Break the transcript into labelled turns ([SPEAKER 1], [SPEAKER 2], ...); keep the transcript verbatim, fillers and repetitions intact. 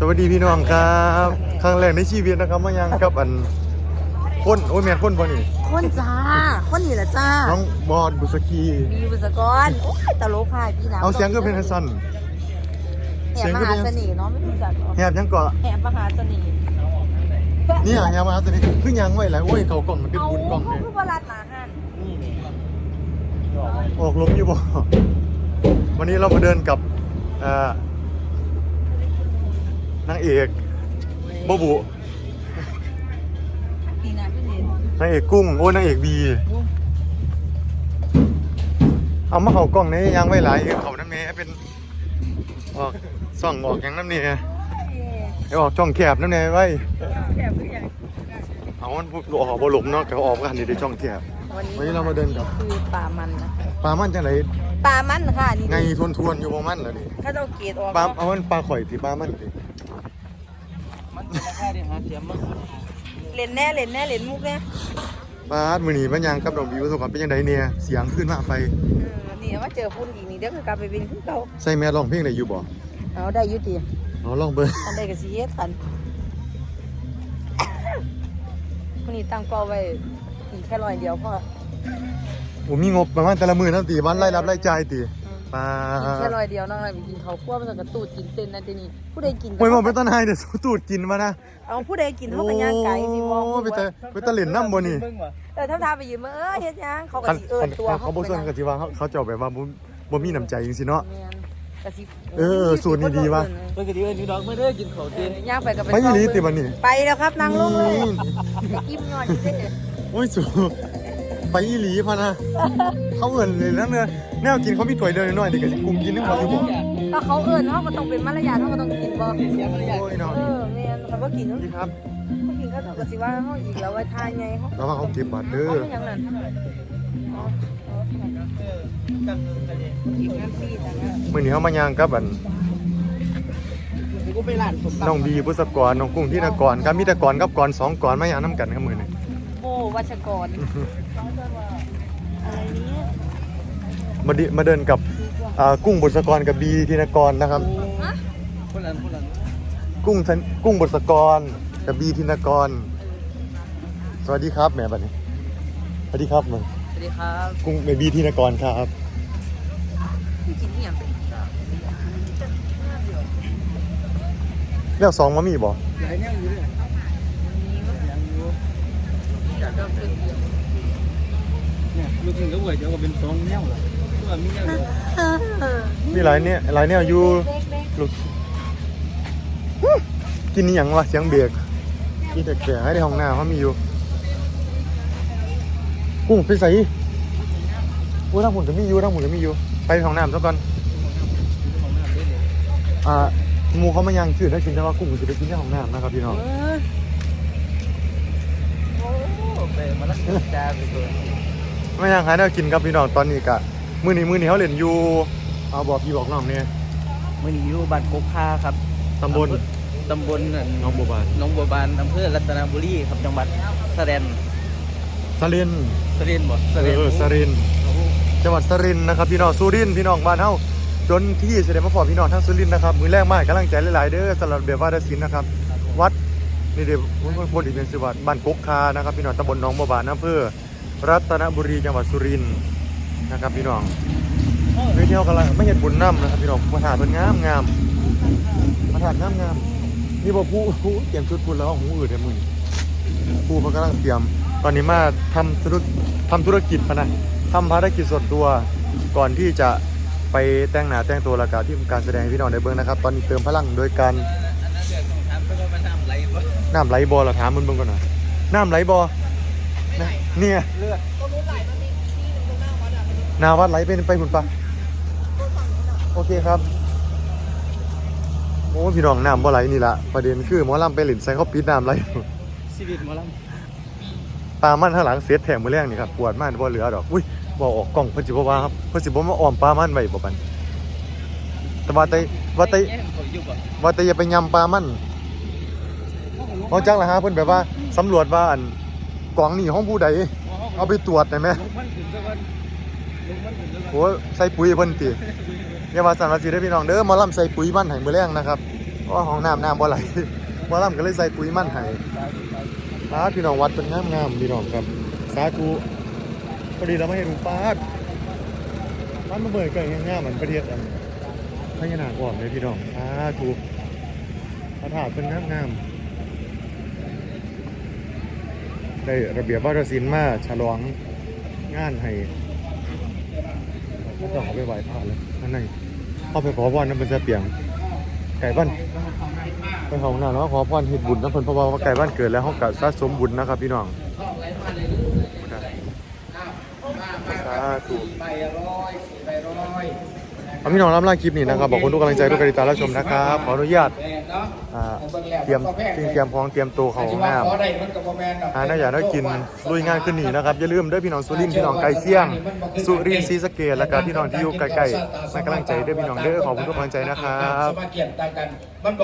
[SPEAKER 1] วัสดีพี่น้องครับครั้งแรกในชีวิตนะครับมายังกับอันคนโอ้ยแม่นคนบ่นี่
[SPEAKER 2] คนจ้าคนนี่แหละจ้า
[SPEAKER 1] น้องบอลบุษกี
[SPEAKER 2] มีบุษกรโอ้ยตลกค่ะพี่น้ำ
[SPEAKER 1] เอาเสียงก็เป็นสั้น
[SPEAKER 2] แหบมหาเสน่ห์เนาะไม่รู้จัก
[SPEAKER 1] แหบยังเกาะ
[SPEAKER 2] แหบมหาเสน่ห์
[SPEAKER 1] เนี่ยแหบมหาเสน่ห์คือยังไว้หลายโอ้ยเขากล่องมันเป็นบุญกล่องเลย
[SPEAKER 2] คือว่ารัดหนาหัน
[SPEAKER 1] ออกล้มอยู่บ่วันนี้เรามาเดินกับนางเอกโบบุนางเอกกุ้งโอ้นางเอกบีเอามาเขากล้องนี้ยังไม่หลายเขาน้ำเนี้เป็นออกส่องออกอย่างน้ำเนี้ไอออกช่องแคบน้ำเนี้ไว้เอามันพูดออกบอลมเนาะเขาออกกันในช่องแคบวันนี้เรามาเดินกับ
[SPEAKER 2] คือป่ามันนะ
[SPEAKER 1] ปลามันจังไหน
[SPEAKER 2] ปลามันค่ะนี่
[SPEAKER 1] ไงทวนทวนอยู่ประมาณเหรอนี่
[SPEAKER 2] ถ้าเราเกตออก
[SPEAKER 1] ปลาเอามันปลาข่อยที่ปลามันดิ
[SPEAKER 2] เล่นแน่เล่นแน่เล่นมุกแน่
[SPEAKER 1] ปลามือหนีมันยังกับดอกบิวสกัดเป็นยังไงเนี่ยเสียงขึ้นมาไป
[SPEAKER 2] นี่ว่าเจอฝุ่นอีกนี่เดี๋ยวกลับไปบินขึ้นเขา
[SPEAKER 1] ใส่แม่ร้องเพลงได้อยู่บ่
[SPEAKER 2] เอาได้ยุติ
[SPEAKER 1] เอาลองเบอร์
[SPEAKER 2] อันใดกับซีเอสกันวันนี้ตั้งเป้าไว้อีกแค่ร้อยเดียวพอ
[SPEAKER 1] ผมมีงบประมาณแต่ละมือนั่นตีวันไล่รับไล่จ่ายตีปลา
[SPEAKER 2] แค่ร้อยเดียวน้องอะไรไปกินเขาคั่วมันจะกระตูดกินเต้นนั่นทีนี้ผู้ใดกิน
[SPEAKER 1] โอ้ยมองเป็นต้นไฮเดี๋ยวตูดกินมานะ
[SPEAKER 2] เอาผู้ใดกินเขาเป็นย่างไก่สิมอง
[SPEAKER 1] ไปแต่ไปตะเหรียญน้ำบนนี่
[SPEAKER 2] เออถ้าทาไปยืมมาเออเฮ็ดยังเขากระสีเอิญตัว
[SPEAKER 1] เขาบอกส่วนกระสีว่าเขาเขาจะแบบว่าบ่มีน้ำใจจริงสิเนาะเออสูตรนี้ดีว่ะ
[SPEAKER 3] เมื่อกี้เอิญนี่ดอกไม่ได้กินเขาตี
[SPEAKER 2] ย่างไปกับไป
[SPEAKER 1] ไปยี่ลีติวันนี้
[SPEAKER 2] ไปแล้วครับนั่งลงเลยอิ่มหน่อยสิ
[SPEAKER 1] โอ้ยสูไปยี่ลีพะนะเขาเอิญเลยนั่นเนี่ยแนวกินเขามีถ้วยเดียวน้อยๆนี่ก็สิกุมกินนึงเขาอยู่บ่
[SPEAKER 2] ก็เขาเอิญเขาก็ต้องเป็นมารยาทเขาก็ต้องกินบ่
[SPEAKER 1] โอ้ยเนาะ
[SPEAKER 2] เออแม่นเขาบ่กิน
[SPEAKER 1] ครับ
[SPEAKER 2] เขากินก็ต้องก็สิว่าเขาอีกแล้วไว้ทานไงเขา
[SPEAKER 1] แล้วว่าเขาเก็บบาทเด้อ
[SPEAKER 2] เขาอย่างนั้น
[SPEAKER 1] มื้อนี้เฮามาย่างกับอันน้องบีบุษกรน้องกุ้งที่นกรครับมีแต่กรกับกรสองกรมาย่างน้ำกันครับมื้อนี้
[SPEAKER 2] โอ้วัชกรอะไรนี้
[SPEAKER 1] มาดิมาเดินกับกุ้งบุษกรกับบีธินกรนะครับกุ้งกุ้งบุษกรกับบีธินกรสวัสดีครับแม่บัดนี้สวัสดีครับมึง
[SPEAKER 2] สวัสดีครับ
[SPEAKER 1] กุ้งบีธินกรครับเรียกสองมามีบ่
[SPEAKER 3] ลูกหนึ่งก็ไหวเดี๋ยวก็เป็นสองแนวละตัวมีแนว
[SPEAKER 1] มีหลายเนี่ยหลายเนี่ยอยู่ลูกกินนี่ยังวะเสียงเบรกกินแต่แก่ให้ในห้องน้ำเขามีอยู่กุ้งไปใส่โอ้ทั้งหมดจะมีอยู่ทั้งหมดจะมีอยู่ไปห้องน้ำซะก่อนอ่าหมูเขามายังชื่อถ้ากินแต่ว่ากุ้งจะไปกินที่ห้องน้ำนะครับพี่น้อง
[SPEAKER 3] โอ้ไปมาลักจ้าไปตัว
[SPEAKER 1] ไม่ยังหาแนวกินครับพี่น้องตอนนี้กะมื้อนี้มื้อนี้เขาเล่นอยู่เอาบอกพี่บอกน้องเนี่ย
[SPEAKER 3] มื้อนี้อยู่บ้านกกคาครับ
[SPEAKER 1] ตำบล
[SPEAKER 3] ตำบล
[SPEAKER 1] น้องบัวบาน
[SPEAKER 3] น้องบัวบานอำเภอรัตนบุรีครับจังหวัดสระแลน
[SPEAKER 1] สริน
[SPEAKER 3] สรินบ่
[SPEAKER 1] สรินเออสรินจังหวัดสรินนะครับพี่น้องสุรินทร์พี่น้องบ้านเฮาจนที่แสดงมาพอพี่น้องทั้งสุรินทร์นะครับมื้อแรกมากกำลังใจหลายๆเด้อสำหรับเบียร์วาดศิลป์นะครับวัดนี่เดี๋ยวบนอีกเป็นสิวัดบ้านกกคานะครับพี่น้องตำบลน้องบัวบานอำเภอรัตนบุรีจังหวัดสุรินทร์นะครับพี่น้องไปเที่ยวกันเลยไม่เห็นบุญน้ำนะครับพี่น้องมาถ่ายเป็นงามงามมาถ่ายงามงามนี่บอกผู้ผู้เตรียมชุดคุณแล้วหูอื่นแต่มึงผู้มันกำลังเตรียมตอนนี้มาทำธุรทำธุรกิจนะทำภารกิจส่วนตัวก่อนที่จะไปแต่งหน้าแต่งตัวแล้วก็ที่การแสดงพี่น้องในเบื้องนะครับตอนนี้เติมพลังโดยการน้ำไหลบอเราถามมึงเบื้องก่อนหน่อยน้ำไหลบอเนี่ยนาวัดไหลเป็นไปหุ่นปะโอเคครับโอ้พี่น้องน้ำบ่ไหลนี่ละประเด็นคือหมอลำไปหลินใส่เขาปิดน้ำไหล
[SPEAKER 3] ชีวิตหมอลำ
[SPEAKER 1] ปลามันข้างหลังเสียแถมมือแรกนี่ครับปวดมากบ่เหลือดอกอุ้ยบ่ออกกล่องเพิ่นสิบ่ว่าครับเพิ่นสิบ่มาอ้อมปลามันไว้บ่ปันแต่ว่าแต่ว่าแต่ว่าแต่อย่าไปยำปลามันเพราะจังล่ะฮะเพิ่นแบบว่าสำรวจว่าอันกล่องนี่ห้องผู้ใดเอาไปตรวจได้ไหมโอ้ใส่ปุ๋ยเพิ่นติอย่ามาสั่นว่าสิได้พี่น้องเด้อหมอลำใส่ปุ๋ยมันให้มื้อแรงนะครับเพราะว่าห้องน้ำน้ำบ่ไหลบ่ล่ำก็เลยใส่ปุ๋ยมั่นให้ปาดพี่น้องวัดเป็นงามงามๆพี่น้องครับสาธุพอดีเราไม่ให้ดูปาดมันมาเบิดเกิดงามๆเหมือนประเทศอันพญานาคก่อนเลยพี่น้องสาธุพระธาตุเป็นงามงามๆได้ระเบียบวัฒนศิลป์มาฉลองงานให้ก็ต้องเอาไปไหว้พระเลยอันไหนเข้าไปขอพรน้ำเป็นเสเปียงไก่บ้านไปของหน้าเนาะขอพรเฮ็ดบุญนะเพิ่นเพราะว่าไก่บ้านเกิดแล้วเฮาก็สะสมบุญนะครับพี่น้องสาธุเอาพี่น้องรับล่าคลิปนี้นะครับบอกคนทุกกำลังใจทุกการติดตามรับชมนะครับขออนุญาตอ่าเตรียมสิ่งเตรียมพร้อมเตรียมตัวเข้าห้องน้ำหาหน้าอยากได้กินลุยงานขึ้นนี่นะครับอย่าลืมเด้อพี่น้องสุรินทร์พี่น้องไก่เสี่ยงสุรินทร์ศรีสะเกษแล้วก็พี่น้องที่อยู่ใกล้ๆให้กำลังใจเด้อพี่น้องเด้อขอบคุณทุกกำลังใจนะครับ